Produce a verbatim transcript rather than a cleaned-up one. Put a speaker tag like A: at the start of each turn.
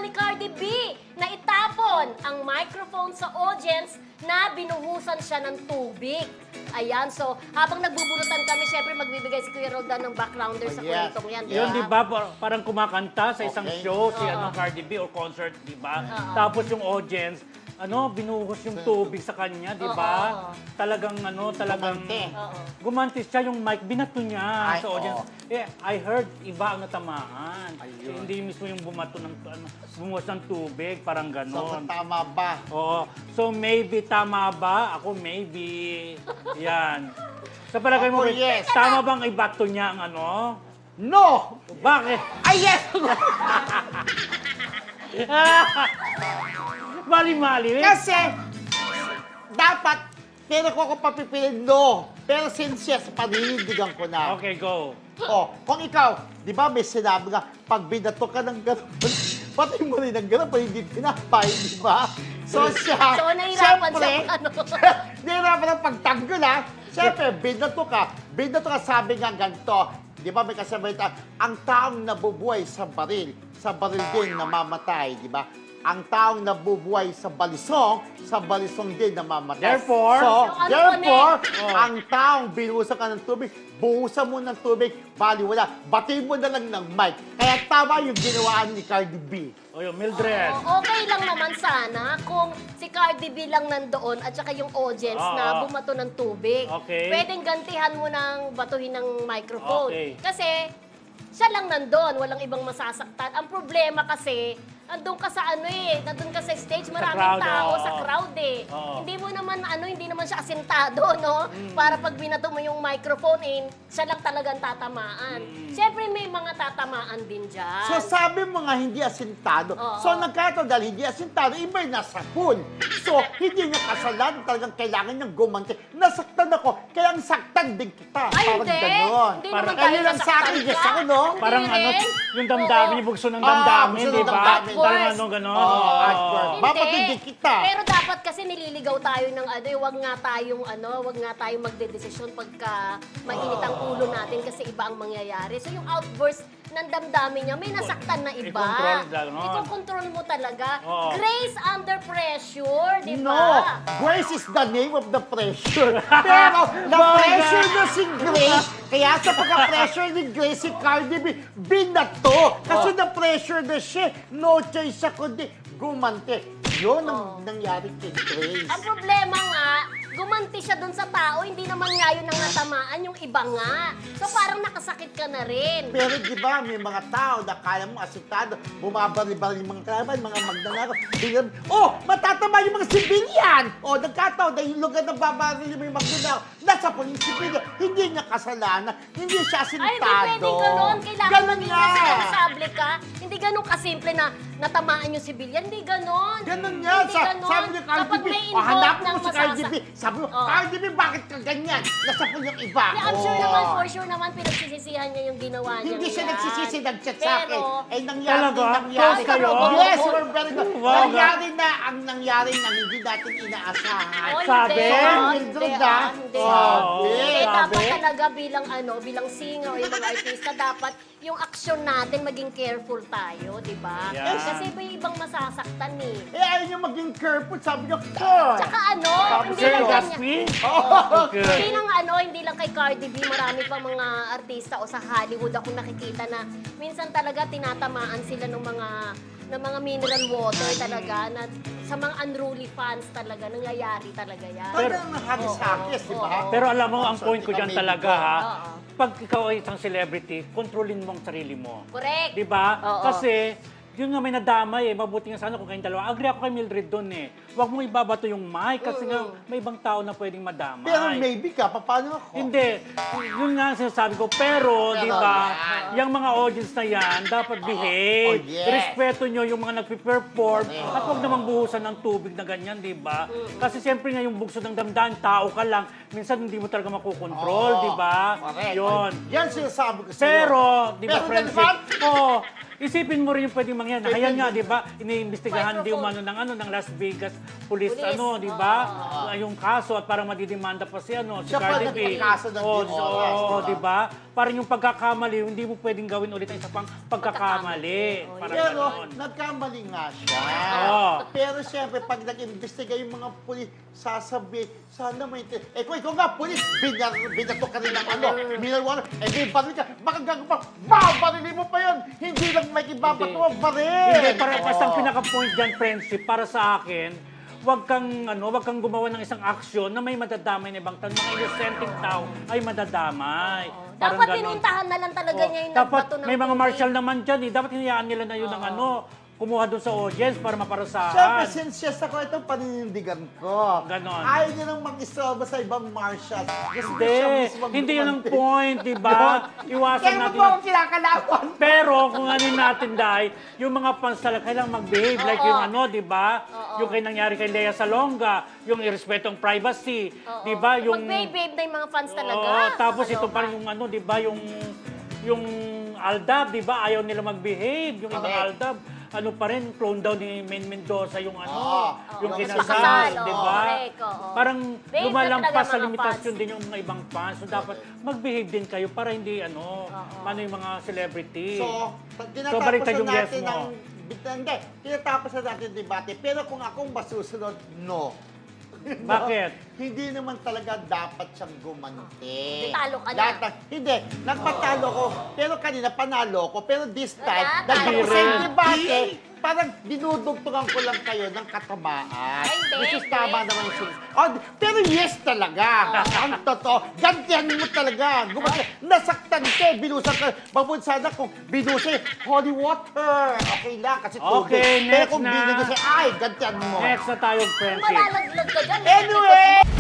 A: ni Cardi B na itapon ang microphone sa audience na binuhusan siya ng tubig. Ayan, so habang nagbubunutan kami, syempre magbibigay si Kuya Roldan ng backgrounder sa
B: Oh, yes.
A: kwentong yan.
C: Yun, di ba? Par- Parang kumakanta sa isang
B: Okay.
C: show, si
A: Oo.
C: ano, Cardi B or concert, di ba?
A: Oo.
C: Tapos yung audience, ano, binuhos yung tubig sa kanya, di ba?
A: Oo.
C: Talagang, ano, talagang...
B: Gumante.
A: Oo.
C: Gumanti siya, yung mic, binato niya
B: Ay,
C: sa audience.
B: oo.
C: Eh, I heard, iba ang natamaan.
B: Ayun.
C: Hindi mismo yung bumato ng, ano, bumuhos ng tubig, parang
B: So,
C: ganon.
B: tama ba?
C: Oo. So, maybe, tama ba? Ako, maybe. Yan. Sa palagay mo,
B: Ako, yes.
C: tama bang ibato niya ang ano?
B: No!
C: Bakit?
B: Ay, yes!
C: Mali-mali.
B: Kasi, dapat, pero ko ako papipiliin, no. Pero since yes, paninindigan ko na.
C: Okay, go.
B: Oh, kung ikaw, di ba may sinabi nga, pag binato ka ng gano'n, pati mo rin ng gano'n, pa hindi pinapay, di ba? So siya,
A: So, nahirapan
B: syempre,
A: siya ano.
B: nahirapan ng pagtanggol, ha? Siyempre, binato ka, binato ka, sabi nga ganito, di ba may kasabihan, ang taong nabubuhay sa baril, sa baril din namamatay, di ba? Ang taong nabubuhay sa balisong, sa balisong din namamatay.
C: Therefore,
B: so,
A: So, ano
B: therefore,
C: ulit?
B: ang taong binuhusan ka ng tubig, buhusan mo ng tubig, bali wala. Batiin mo na lang ng mic. Kaya tama yung ginawaan ni Cardi B.
C: O yun, Mildred.
A: Oo, okay lang naman sana kung si Cardi B lang nandoon at saka yung audience
C: Oo.
A: na bumato ng tubig.
C: Okay.
A: Pwedeng gantihan mo ng batuhin ng microphone.
C: Okay.
A: Kasi siya lang nandoon, walang ibang masasaktan. Ang problema kasi, nandun ka sa ano eh, nandun ka sa stage, maraming
C: crowd,
A: tao
C: oo.
A: sa crowd eh.
C: Oo.
A: Hindi mo naman ano, hindi naman siya asintado, no? Para pag binato mo yung microphone in, siya lang talagang tatamaan. Siyempre may mga tatamaan din dyan.
B: So sabi mo nga hindi asintado.
A: Oo.
B: So nagkataon dahil hindi asintado, iba yung nasa pool. So hindi niya kasalanan, talagang kailangan niyang gumanti. Nasaktan ako, kaya ang saktan din kita.
A: Ay,
B: Parang
A: hindi.
B: ganon.
A: Hindi
C: Parang-
A: naman tayo
B: Kaya lang sa akin,
A: nasaktan
B: yes
A: ka.
B: ako, no?
A: Hindi
C: Parang ano,
A: rin.
C: yung damdamin,
A: Oo.
C: yung bugso ng
B: Ah,
C: damdamin,
B: bugso ng
C: di ba?
B: damdamin.
C: Parang
A: Of
C: ano, ganon.
B: Oo,
C: Oo.
B: hardcore. Mapatindi kita.
A: Pero dapat kasi nililigaw tayo ng ano, eh, wag nga tayong ano, wag nga tayong magdedesisyon pagka mainit ang ulo natin kasi iba ang mangyayari. So yung outburst ng damdamin niya, may nasaktan na iba.
C: I-control lang, no?
A: I-control mo talaga.
C: Oo.
A: Grace under pressure, di
B: No,
A: ba?
B: Grace is the name of the pressure. Pero na-pressure na si Grace. Kaya sa pagka-pressure ni Grace, si Cardi B, binato. Kasi na-pressure na siya. No choice siya kundi gumante. Yun ang nangyari kay Grace.
A: Ang problema nga, gumanti siya dun sa tao, hindi naman nga yun ang natamaan, yung iba nga. So parang nakasakit ka na rin.
B: Pero di ba, may mga tao na kaya mo asitado, bumabali-bali yung mga kalaban, mga magnanakaw. Biglang, oh, matatama yung mga sibilyan! O, oh, nagkataon na yung lugar na babali yung mga magnanakaw, nasa po yung sibilyan, hindi niya kasalanan, hindi siya
A: Ay,
B: asintado.
A: hindi pwedeng ganun. Kailangan
B: Ganun
A: maging
B: nga.
A: responsable ka. Hindi ganun kasimple na natamaan yung sibilyan. Hindi ganun.
B: Ganun nga.
A: Hindi
B: Sa,
A: ganun.
B: sabi ni Cardi
A: Kapag
B: B,
A: may
B: oh,
A: involved
B: hanapin
A: ng
B: mo si Cardi B.
A: masasa-
B: Sabi mo,
A: Oh.
B: Cardi B, bakit ka ganyan? Nasa po yung iba.
A: Yeah, I'm sure
B: Oh.
A: naman, for sure naman, pinagsisisihan niya yung ginawa niya.
B: Hindi siya nagsisisi, nag-chat sa akin.
A: Pero,
B: Eh, nangyari,
C: Talaga?
B: nangyari.
C: Close kayo?
B: Yes, we're very good.
C: Wow.
B: Nangyari na ang nangyari na hindi natin inaasahan.
A: oh,
C: Sabi?
A: hindi,
B: So,
A: oh,
B: Mildred,
A: hindi,
B: ah.
A: ah, hindi.
B: Sabi.
A: Hindi,
C: Sabi?
A: dapat talaga bilang ano, bilang singer o yung mga artista, dapat yung aksyon natin maging careful tayo, di ba?
C: Yeah.
A: Kasi may ibang masasaktan eh.
B: Eh, ayaw niyo maging careful. Sabi niyo, Core.
A: Tsaka ano, hindi
C: Sir
A: lang ganyan.
C: Gaspi?
A: Hindi
C: Okay.
A: lang ano, hindi lang kay Cardi B, marami pa mga artista o sa Hollywood ako nakikita na minsan talaga tinatamaan sila ng mga ng mga mineral water talaga na sa mga unruly fans talaga nangyayari talaga yan.
B: Talagang nahagis-hagis, di ba?
A: Oo.
C: Pero alam mo, ang point ko dyan talaga, ha?
A: Oo.
C: Pag ikaw ay isang celebrity, kontrolin mo ang sarili mo.
A: Correct.
C: Di ba?
A: Oo.
C: Kasi, yun nga may nadamay eh. Mabuti nga sana kung kayong dalawa. Agree ako kay Mildred doon eh. Huwag mong ibabato yung mic kasi nga may ibang tao na pwedeng madamay.
B: Pero maybe ka, paano ako?
C: Hindi. Yun nga ang sinasabi ko. Pero,
B: Pero
C: di ba,
B: yan.
C: yung mga audience na yan, dapat behave.
B: Oh, yes.
C: Respeto nyo yung mga nagpe-perform.
B: Correct.
C: At huwag namang buhusan ng tubig na ganyan, di ba? Kasi siyempre nga yung bugso ng damdamin, tao ka lang. Minsan hindi mo talaga makukontrol,
B: Oo.
C: di ba?
B: Correct.
C: Yun.
B: Yan sinasabi ko sa'yo.
C: Pero, di ba,
B: Pero
C: friendship?
B: naman,
C: Oo. Isipin mo rin yung pwedeng mangyari. Ayan nga, di ba? Iniimbestigahan di
A: Microphone.
C: umano ng, ano, ng Las Vegas police,
A: Police,
C: ano, di ba? Ah, yung kaso at parang madidimanda pa si ano, si
B: Siya pa
C: Cardi B.
B: nagpakaso ng
C: Oo,
B: Diyos,
C: oo,
B: di
C: di ba? Parang yung pagkakamali, hindi mo pwedeng gawin ulit ang isa pang pagkakamali.
A: Pagkakamali.
C: Parang
B: Pero
C: ganon.
B: nagkamali nga siya.
C: Oo.
B: Pero siyempre, pag nag-imbestiga yung mga pulis, sasabi, sana may... Eh kung ikaw nga, pulis, binar, binato ka rin ng ano, minalwala, eh di baril ka, baka gagawin pa, wow, barilin mo pa yun! Hindi lang may ibabato
C: Hindi.
B: ang baril!
C: Hindi, para basta ang
B: Oo.
C: pinaka-point dyan, friendship, para sa akin, wag kang ano, wag kang gumawa ng isang aksyon na may madadamay na ibang tao. Mga innocenteng tao ay madadamay. Parang
A: Dapat
C: ganon.
A: pinintahan na lang talaga
C: Oo.
A: niya yung
C: Dapat
A: nagbato ng
C: may mga
A: tubig.
C: marshal naman dyan eh. Dapat hinayaan nila na yun ng ano, kumuha doon sa audience para
B: Siyempre,
C: maparasahan.
B: since yes ako, itong paninindigan ko.
C: Ganon.
B: Ayaw niya nang mag-istorbo sa ibang marshal. Gusto
C: Hindi,
B: siya mismo
C: hindi yun ang
B: gumanti.
C: point, di ba? Iwasan
B: Kaya mo
C: natin.
B: po akong kinakalawan.
C: Pero kung ano natin dahil, yung mga fans talaga kailangang mag-behave. Like
A: Oo.
C: yung ano, di ba?
A: Oo.
C: Yung kay nangyari kay Lea Salonga, yung irrespetong privacy, di ba? Yung
A: Mag-babe-babe na yung mga fans talaga.
C: Oo, tapos ito
A: Nakakaloka.
C: pa rin yung ano, di ba? Yung yung Aldab, di ba? Ayaw nila mag-behave. Yung ibang
B: Correct.
C: Aldab, ano pa rin, clone down ni Main Mendoza yung ano,
B: Oo.
C: yung
B: Oo.
C: kinasal,
A: Kasal,
C: di
A: oo,
C: ba?
A: correct, oo.
C: Parang
A: Behave na
C: lumalampas
A: talaga
C: sa
A: mga
C: limitasyon
A: fans.
C: din yung mga ibang fans. So dapat mag-behave din kayo para hindi ano, ano yung mga celebrity.
B: So, pag
C: So, baliktad
B: tinatapos
C: yung
B: na
C: yes
B: natin
C: mo.
B: ang... Hindi, tinatapos na natin yung debate. Pero kung akong masusunod, no.
C: Bakit?
B: Hindi naman talaga dapat siyang gumanti.
A: Hindi, talo ka na.
B: Lahat ng- hindi, nagpatalo ko. Pero kanina, panalo ko. Pero this time,
A: Wala,
B: nagtapos
C: talo
B: yung
C: ka.
B: debate, parang dinudugtungan ko lang kayo ng katamaan.
A: Ay, hindi,
B: Which is
A: hindi.
B: tama naman yung sin- oh, pero yes talaga. Ang totoo. Gantihan mo talaga. Gumanti. Nasaktan ka, eh, binusan ka. Babun sana kung binusan, holy water. Okay lang, kasi tubig.
C: Okay,
B: Pero
C: next
B: kung
C: na.
B: binigay siya, ay, gantihan mo.
C: Next na tayo, friendship.
A: Malalaglag ka dyan.
B: Anyway!